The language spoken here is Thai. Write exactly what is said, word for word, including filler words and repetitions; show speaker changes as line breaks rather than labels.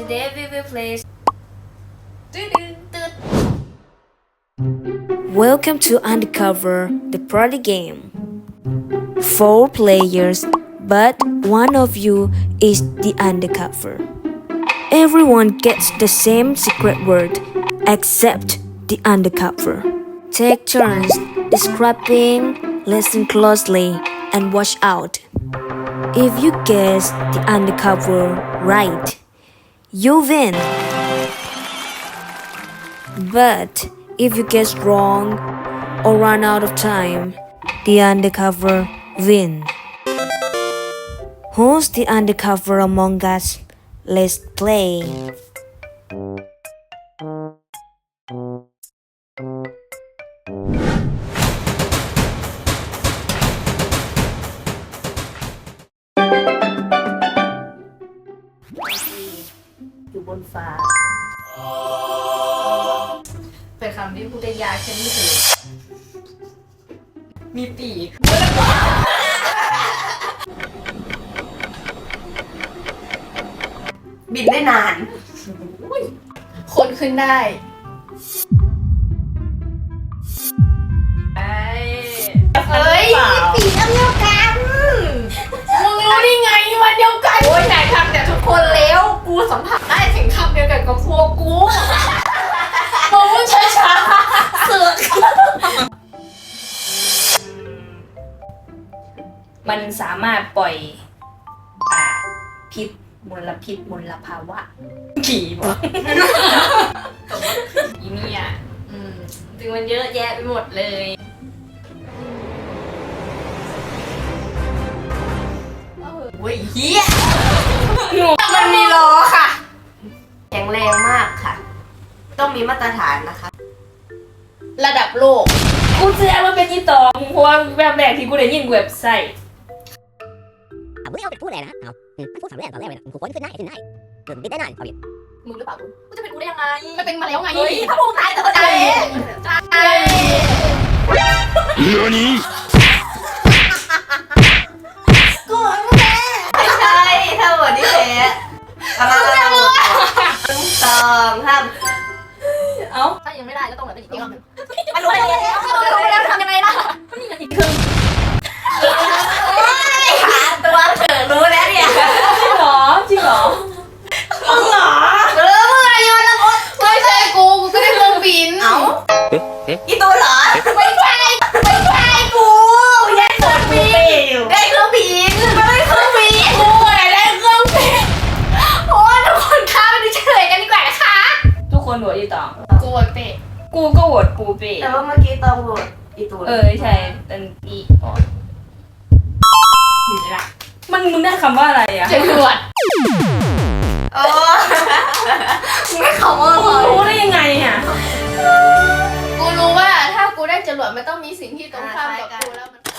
Today we will play. Welcome to Undercover, the party game. Four players, but one of you is the undercover. Everyone gets the same secret word, except the undercover. Take turns describing, listen closely, and watch out. If you guess the undercover right, you win. But if you guess wrong or run out of time, the undercover win. Who's the undercover among us? Let's play.
อยู่บนฟ้าเป็นคำที่พูดได้ยากเช่นนี้คือมีปีกบินได้นานคนขึ้นได้เฮ้ยปีกอันเดียวกันมึงรู้ได้ไงวันเดียวกันโอ้ยนายทำแต่ทุกคนแล้วกูสัมผัสได้ถึงคำเดียวกันกับพวกกูมึงพูดช้าๆเสือก
มันสามารถปล่อยอ่าพิษมลพิษมลภาวะขี่บ่อีนี่อ่ะถึงมันเยอะแยะไปหมดเลย
เว้ยเฮียมันมีล้อค่ะแข็งแรงมากค่ะต้องมีมาตรฐานนะคะระดับโลก
กูเชื่อว่าเป็นยี่ตองเพราะว่าแบบแรกที่กูได้ยินเว็บไซต์
เอาไม่เอาแต่พูดเลยนะเอามันพูดสามเรื่องตอนแรกเลยนะกูค้นขึ้นได้ขึ้นได้เกิดติดได้หน่อยเอาอยู่
มึงหรือเปล่ากูจะเป็นกูได้ยังไงไม่เป็นมาแล้วไงถ้าพูดตายแต่ก็ได้ใช่กูไม่แพ้ไม่ใช่ถ้าวันนี้แพ้อะไรสองห้ามเอ้าถ้ายังไม่ได้ก็ต้องเหลืออีกรอบนึงมันรู้แล้วรู้แล้วทำยังไงล่ะก็มีอีกครึ่งหาตัวเถอะรู้แล้วเนี่ย
จริงเหรอจริงเหรอมึงเหรอ
เออมึงอะไรโยนละมดไม่ใช่กูกูก็ได้เครื่องบินเอ้าอีตัวเหรอไม่ใช่ไม่ใช่กูได้เครื่องบินได้เครื่องบินไม่ได้เครื่องบินกูอะไรได้เครื่องบินโอ้ทุกคนคะไปดูเฉลยกันดีกว่านะคะ
ทุกคนโหวตยี่ตอง
กูโหวตเป๊ะ
กูก็โหวตปูเป้
แต่ว่าเมื่อกี้ตองโหวตอีตัว
เออใช่เป็นอีอ๋ออยู่ละมันมึงได้คำว่าอะไรอ่ะ
จรวดโอ้ไม่เขาว่า
รู้ได้ยังไงอ่ะ
กูรู้ว่าถ้ากูได้จรวดมันต้องมีสิ่งที่ตรงข้ามกับกูแล้วมัน